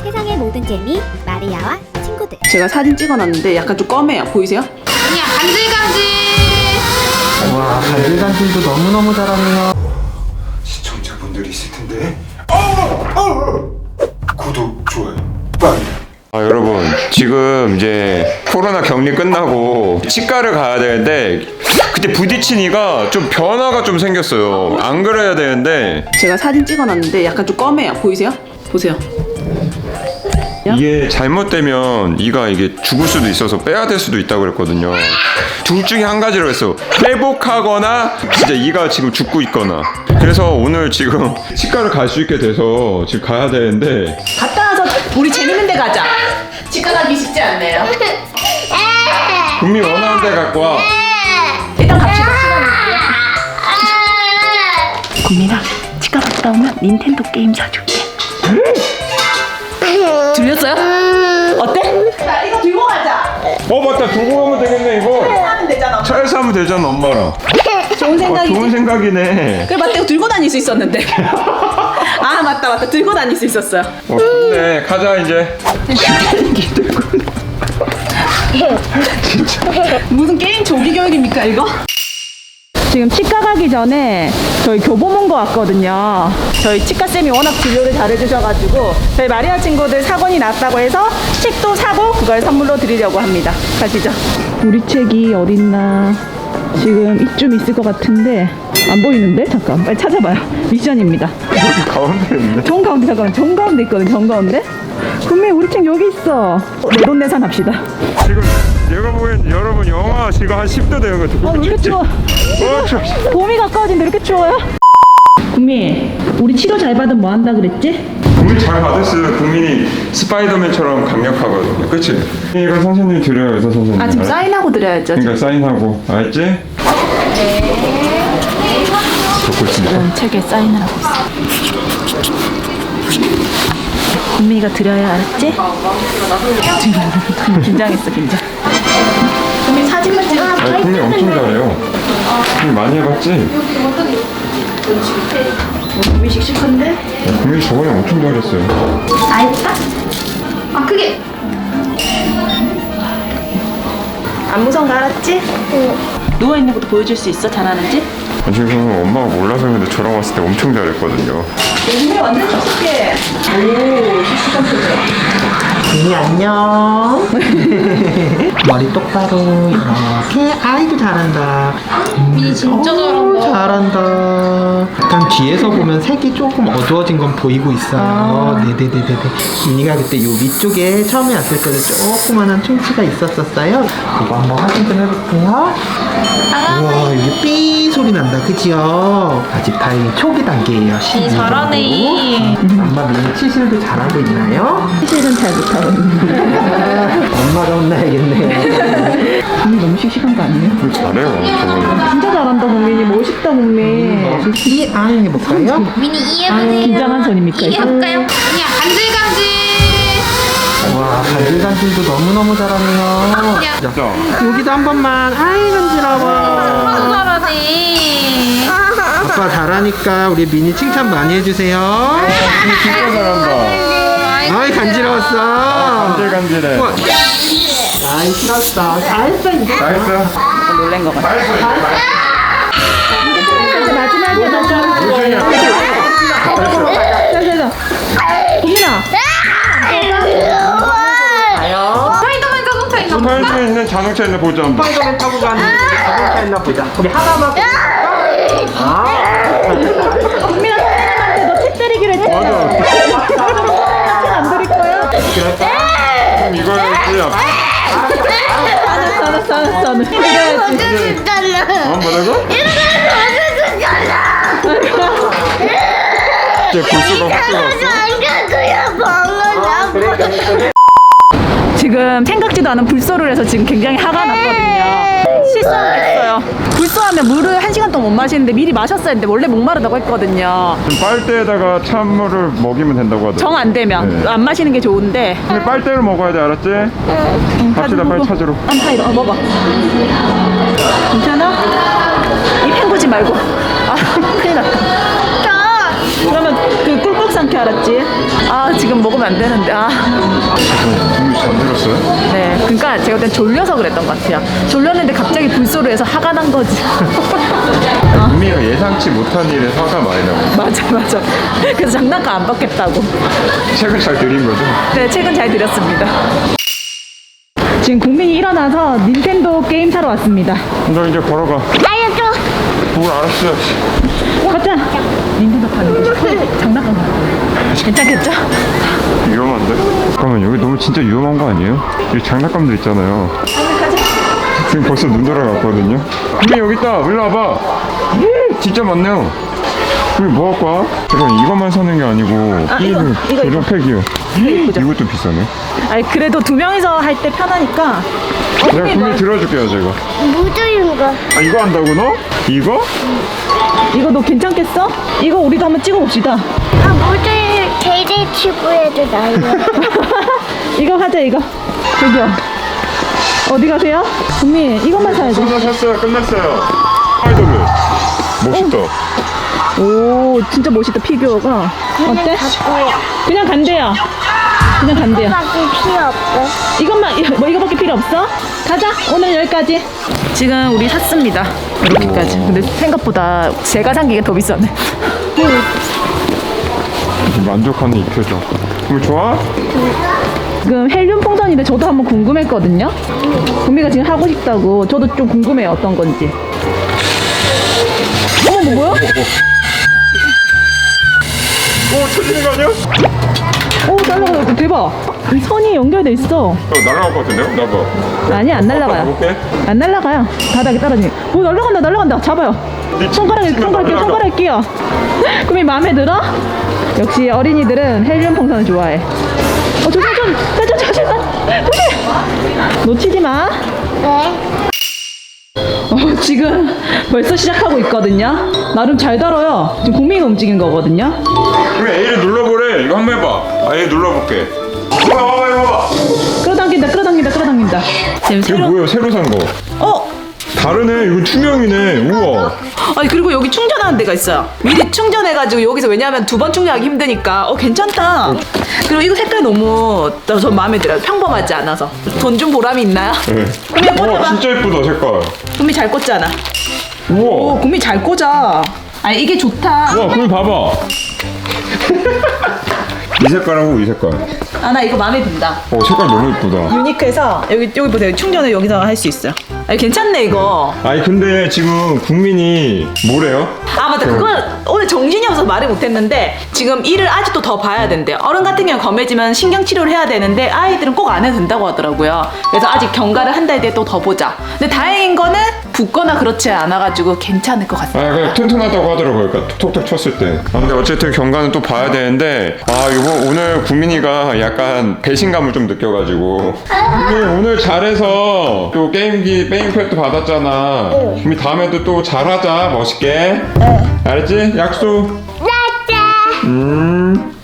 세상의 모든 재미 마리아와 친구들. 제가 사진 찍어놨는데 약간 좀 검해요. 보이세요? 그냥 간질간질. 와, 간질간질도 너무너무 잘하네요. 시청자분들이 있을 텐데. 구독, 좋아요, 빨리. 여러분 지금 이제 코로나 격리 끝나고 치과를 가야 되는데 그때 부딪히니까 좀 변화가 좀 생겼어요. 안 그래야 되는데 제가 사진 찍어놨는데 약간 좀 검해요. 보이세요? 보세요. 이게 잘못되면 이가 이게 죽을 수도 있어서 빼야 될 수도 있다고 그랬거든요. 둘 중에 한 가지로 했어. 회복하거나 진짜 이가 지금 죽고 있거나. 그래서 오늘 지금 치과를 갈 수 있게 돼서 지금 가야 되는데 갔다 와서 우리 재밌는 데 가자. 치과 가기 쉽지 않네요. 국민 원하는 데 갖고 와. 일단 갑시다. 국민아, 치과 갔다 오면 닌텐도 게임 사줄게. 들렸어요? 어때? 자, 이거 들고 가자. 맞다, 두고 가면 되겠네 이거. 하면 되잖아. 차에서 하면 되잖아 엄마랑. 좋은 생각이지. 좋은 생각이네. 그래, 맞다. 이거 들고 다닐 수 있었는데. 아, 맞다. 들고 다닐 수 있었어요. 좋네. 가자 이제. 무슨 게임 조기 교육입니까 이거? 지금 치과 가기 전에 저희 교보문고 왔거든요. 저희 치과쌤이 워낙 진료를 잘해주셔가지고 저희 마리아 친구들 사건이 났다고 해서 책도 사고 그걸 선물로 드리려고 합니다. 가시죠. 우리 책이 어딨나. 지금 이쯤 있을 것 같은데 안 보이는데? 잠깐 빨리 찾아봐요. 미션입니다. 가운데 있네. 정 가운데, 잠깐만. 정 가운데 있거든. 정 가운데. 분명히 우리 책 여기 있어. 내돈내산 합시다. 지금 내가 보기엔 여러분 영하 지금 한 10도 되는 것 같아. 왜 이렇게 추워? 추워. 봄이 가까워진데 이렇게 추워요? 국민, 우리 치료 잘 받으면 뭐 한다 그랬지? 국민 잘 받았어요. 국민이 스파이더맨처럼 강력하거든요. 그치? 이거 선생님이 드려요. 의사 선생님. 아, 지금 사인하고 드려야죠. 그러니까 사인하고. 알았지? 적고 있습니다. 책에 사인을 하고 있어. 국민이가 드려야 알았지? 긴장했어, 긴장. 국민 사진만 찍어. 아니, 국민 엄청 잘해요. 국민 많이 해봤지? 국민 씩씩한데? 국민 저번에 엄청 잘했어요. 다 했다? 아, 크게. 안 무서운 거 알았지? 응. 누워있는 것도 보여줄 수 있어? 잘하는지? 지금 엄마가 몰라서 그런데 저랑 왔을 때 엄청 잘했거든요. 국민 완전 씩씩해. 오, 씩씩한 표정. 언니 안녕. 머리 똑바로 이렇게. 아이고 잘한다. 미니 진짜 잘한다. 잘한다. 약간 뒤에서 보면 색이 조금 어두워진 건 보이고 있어요. 네네네네네. 미니가 그때 요 위쪽에 처음에 왔을 때는 조그만한 충치가 있었었어요. 이거 한번 확인 좀 해볼게요. 우와, 여기 삐 소리 난다, 그지요? 아직 다행히 초기 단계예요. 잘하네. 엄마 미니 치실도 잘하고 있나요? 치실은 잘 못하고 있는데. 엄마가 혼나야겠네. 국민 너무 씩씩한 거 아니에요? 잘해요, 저번에. 진짜 잘한다, 국민이. 멋있다, 국민. 이 아이 해볼까요? 미니 이해보세요. 긴장한 손입니까, 이거? 이해해볼까요? 그냥 간질간질. 와, 간질간질도 너무너무 잘하네요. 진짜. 여기도 한 번만. 아이 간지러워. 잘하네. 아빠 잘하니까 우리 미니 칭찬 많이 해주세요. 진짜 잘한다. 아이 간지러웠어. 간질간질해. 우와. 아이 싫었어. 잘했어 이제. 나이스. 놀란 거 같아. 마지막에 자. 국민아. 스파이더맨 자동차 있나 보다. 스파이더맨 있는 자동차 있는 보자 한번. 스파이더맨 타고 가는 자동차 있나 보자. 우리 하나만. 국민아, 선생님한테 너 책 때리기로 했잖아. 맞아. 책안 드릴 거야? 이거야지. 알았어. 이래야지. 뭐라고? 이제 불수가 확 들어왔어. 지금 생각지도 않은 불소를 해서 지금 굉장히 화가 났거든요. 실수했어요. 불소하면 물을 1시간 동안 못 마시는데 미리 마셨어야 했는데 원래 목마르다고 했거든요. 지금 빨대에다가 찬물을 먹이면 된다고 하더라고. 정 안 되면 네. 안 마시는 게 좋은데. 근데 빨대를 먹어야 돼, 알았지? 갑시다, 빨리 찾으러. 안타이로 먹어. 괜찮아? 입 헹구지 말고. 아, 큰일 났다. 그러면 그 꿀꺽 삼켜 어떻게 알았지? 아 지금 먹으면 안 되는데 국민 잠들었어요? 네, 그러니까 제가 그때 졸려서 그랬던 것 같아요. 졸렸는데 갑자기 불소를 해서 화가 난 거지. 국민이가 예상치 못한 일에 화가 많이 나고 맞아. 그래서 장난감 안 받겠다고. 책을 잘 드린 거죠? 네, 책은 잘 드렸습니다. 지금 국민이 일어나서 닌텐도 게임 사러 왔습니다. 너 이제 걸어가. 알려줘. 뭘 알았어. 가자. 닌텐도 파는 거. 장난감 사러. 괜찮겠죠? 위험한데? 잠깐만 여기 너무 진짜 위험한 거 아니에요? 여기 장난감들 있잖아요. 지금 벌써 눈 돌아갔거든요. 국민 여기 있다. 일로 와봐. 진짜 많네요. 국민 뭐 갖고 와? 잠깐 이것만 사는 게 아니고 이거. 조정 팩이요. 이것도 비싸네. 아니 그래도 두 명이서 할 때 편하니까. 내가 국민 들어줄게요 제가. 무조건 거. 아 이거 한다고 너? 이거? 이거 너 괜찮겠어? 이거 우리도 한번 찍어봅시다. 아, 무조건 제일 치고해도 나요. 이거 하자 이거. 저기요. 어디 가세요? 국민 이것만 사야지. 끝났어요. 스파이더맨. 멋있다. 오 진짜 멋있다 피규어가. 어때? 그냥 간대요. 그냥 간대요. 밖에 필요 없어. 이것만 뭐 이거밖에 필요 없어? 가자. 오늘 여기까지. 지금 우리 샀습니다. 이렇게까지. 근데 생각보다 제가 산 게 더 비싸네. 만족하는 이 표정. 국민 좋아? 지금 헬륨 풍선인데 저도 한번 궁금했거든요. 구미가 지금 하고 싶다고. 저도 좀 궁금해요 어떤 건지. 어머 뭐 뭐야? 오 터지는 거 아니야? 오 날라가. 대박. 이 선이 연결돼 있어. 날아갈 것 같은데요? 나봐. 아니 안 날라가요. 볼게. 안 날라가요. 바닥에 떨어지니. 오 날라간다. 잡아요. 손가락에 끼워. 구미 마음에 들어? 역시 어린이들은 헬륨 풍선을 좋아해. 조심. 놓치지 마. 네. 지금 벌써 시작하고 있거든요. 나름 잘 다뤄요. 지금 국민이가 움직인 거거든요. 그럼 A를 눌러보래. 이거 한번 해봐. A 눌러볼게. 봐봐. 끌어당긴다. 지금 이거 새로. 뭐예요? 새로 산 거. 다르네. 이거 투명이네. 우와. 아니 그리고 여기 충전하는 데가 있어요. 미리 충전해가지고 여기서 왜냐하면 두 번 충전하기 힘드니까 괜찮다. 그리고 이거 색깔 너무 저 마음에 들어요. 평범하지 않아서. 돈 좀 보람이 있나요? 네. 구미 우와 꽂아봐. 진짜 예쁘다 색깔. 구미 잘 꽂잖아. 우와. 구미 잘 꽂아. 아니 이게 좋다. 우와 그럼 봐봐. 이 색깔하고 이 색깔. 나 이거 마음에 든다. 색깔 너무 예쁘다. 유니크해서 여기 보세요. 충전을 여기서 할 수 있어요. 아니 괜찮네 이거. 아니 근데 지금 국민이 뭐래요? 아 맞다. 그걸 오늘 정신이 없어서 말을 못했는데 지금 일을 아직도 더 봐야 된대요. 어른 같은 경우는 검해지면 신경치료를 해야 되는데 아이들은 꼭 안 해도 된다고 하더라고요. 그래서 아직 경과를 한 달 뒤에 또 더 보자. 근데 다행인 거는 붓거나 그렇지 않아가지고 괜찮을 것 같아요. 그냥 튼튼하다고 하더라고요. 그러니까 톡톡 쳤을 때. 근데 어쨌든 경과는 또 봐야 되는데 이거 오늘 국민이가 약간 배신감을 좀 느껴가지고 국민 오늘 잘해서 또 게임기 게임패드 받았잖아. 국민 다음에도 또 잘하자 멋있게. 알았지? 약속. 짜짜.